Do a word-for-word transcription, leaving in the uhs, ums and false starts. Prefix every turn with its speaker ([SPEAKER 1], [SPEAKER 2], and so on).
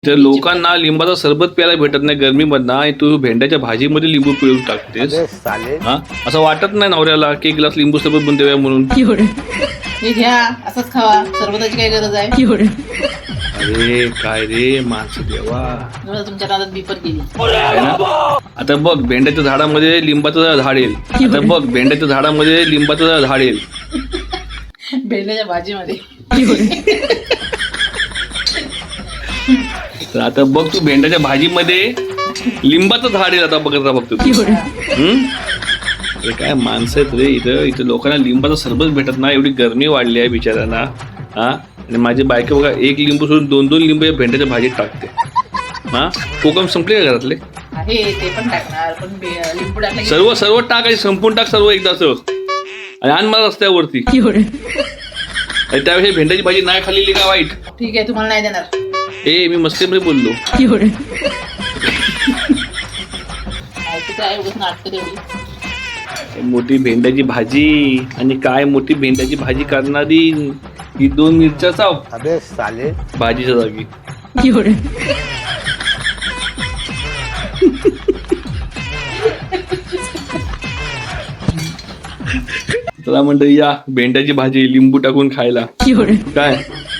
[SPEAKER 1] तर लोकांना लिंबाचा सरबत प्यायला भेटत नाही गरमीमधनं आणि तू भेंड्याच्या भाजीमध्ये लिंबू पिळून टाकतेस. हा असं वाटत नाही नवऱ्याला की एक ग्लास लिंबू सरबत बनवून देऊया म्हणून?
[SPEAKER 2] हे घ्या असंच खावा, सरबताची काय गरज आहे?
[SPEAKER 1] अरे काय रे माणसं देवा,
[SPEAKER 2] जरा तुमच्या नादात बिपर केली.
[SPEAKER 1] आहे ना? आता बघ भेंड्याच्या झाडामध्ये लिंबाचं झाड येईल. आता बघ भेंड्याच्या झाडामध्ये लिंबाचं झाड येईल.
[SPEAKER 2] भेंड्याच्या भाजीमध्ये
[SPEAKER 1] तर आता बघ तू भेंड्याच्या भाजीमध्ये लिंबाचं झाड येईल. आता बघत राहा फक्त तू. हम्म? अरे काय माणसं आहेत रे इथं. इथं लोकांना लिंबाचं सरबत भेटत नाही, एवढी गरमी वाढली आहे बिचाऱ्यांना. हा आणि माझी बायको बघा एक लिंबू सोडून दोन दोन लिंबू या भेंड्याच्या भाजीत टाकते. हा कोकम संपले का घरातले?
[SPEAKER 2] आहे ते पण टाकणार, पण बे- लिंबू टाकलं की-
[SPEAKER 1] सर्व सर्व टाकायचे, संपून टाक सर्व एकदाच आणि आण मला रस्त्यावरती. आणि त्यावेळी भेंड्याची भाजी नाही खाल्लेली का वाईट?
[SPEAKER 2] ठीक आहे, तुम्हाला नाही देणार.
[SPEAKER 1] ए मी मस्तीमध्ये बोललो.
[SPEAKER 2] ऐकू आहे उगाच नाटकं तेवढी.
[SPEAKER 1] मोठी भेंड्याची भाजी आणि काय मोठी भेंड्याची भाजी करणारी ही दोन मिरच्या चाव
[SPEAKER 3] अबे साले
[SPEAKER 1] भाजीच्या जागी. चला मंडळी या भेंड्याची भाजी लिंबू टाकून खायला. काय